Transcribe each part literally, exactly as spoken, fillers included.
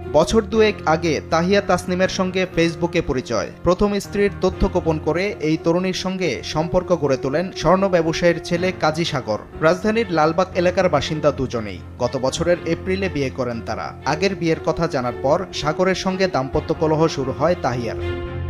বছর দুয়েক আগে তাহিয়া তাসনিমের সঙ্গে ফেসবুকে পরিচয়। প্রথম স্ত্রীর তথ্য গোপন করে এই তরুণীর সঙ্গে সম্পর্ক গড়ে তোলেন স্বর্ণ ব্যবসায়ীর ছেলে কাজী সাগর। রাজধানীর লালবাগ এলাকার বাসিন্দা দুজনেই। গত বছরের এপ্রিলে বিয়ে করেন তারা। আগের বিয়ের কথা জানার পর সাগরের সঙ্গে দাম্পত্য কলহ শুরু হয় তাহিয়ার।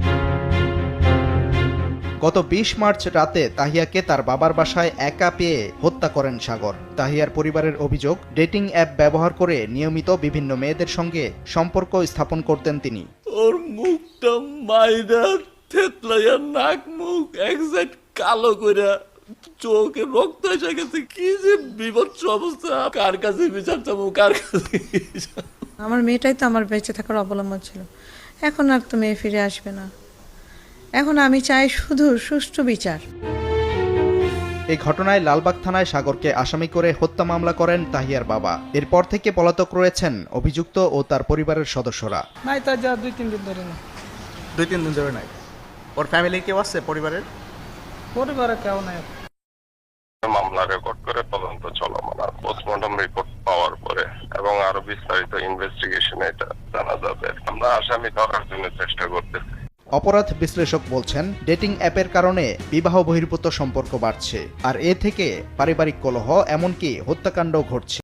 গত বিশ মার্চ রাতে তাহিয়াকে তার বাবার বাসায় একা পেয়ে হত্যা করেন সাগর। তাহিয়ার পরিবারের অভিযোগ, ডেটিং অ্যাপ ব্যবহার করে নিয়মিত বিভিন্ন মেয়েদের সঙ্গে সম্পর্ক স্থাপন করতেন তিনি। ওর মুখটা মাইরা থেতলাইয়া নাক মুখ একসাইড কালো কইরা চোখে রক্ত এসে গেছে। কি যে বিভৎস অবস্থা! কার কাছে বিচার চাবো, কার কাছে? আমার মেয়েটাই তো আমার বেঁচে থাকার অবলম্বন ছিল। এখন আর তো মেয়ে ফিরে আসবে না। এখন আমি চাই শুধু সুষ্ঠু বিচার। এই ঘটনায় লালবাগ থানায় সাগরকে আসামি করে হত্যা মামলা করেন তাহিয়ার বাবা। এরপর থেকে পলাতক রয়েছেন অভিযুক্ত ও তার পরিবারের সদস্যরা। নাই তার যা দুই তিন দিন ধরে না দুই তিন দিন ধরে নাই। ওর ফ্যামিলি কেউ আছে পরিবারের? পরিবারে কেউ নাই। মামলা রেকর্ড করে তদন্ত চলমান। পোস্টমর্টম রিপোর্ট পাওয়ার পরে এবং আরো বিস্তারিত ইনভেস্টিগেশনে এটা জানা যাবে। আমরা আসামি ধরার জন্য চেষ্টা করতেছি। অপরাধ বিশ্লেষক বলছেন, ডেটিং অ্যাপের কারণে বিবাহ বহির্ভূত সম্পর্ক বাড়ছে, আর এ থেকে পারিবারিক কলহ এমনকি হত্যাকাণ্ড ঘটছে।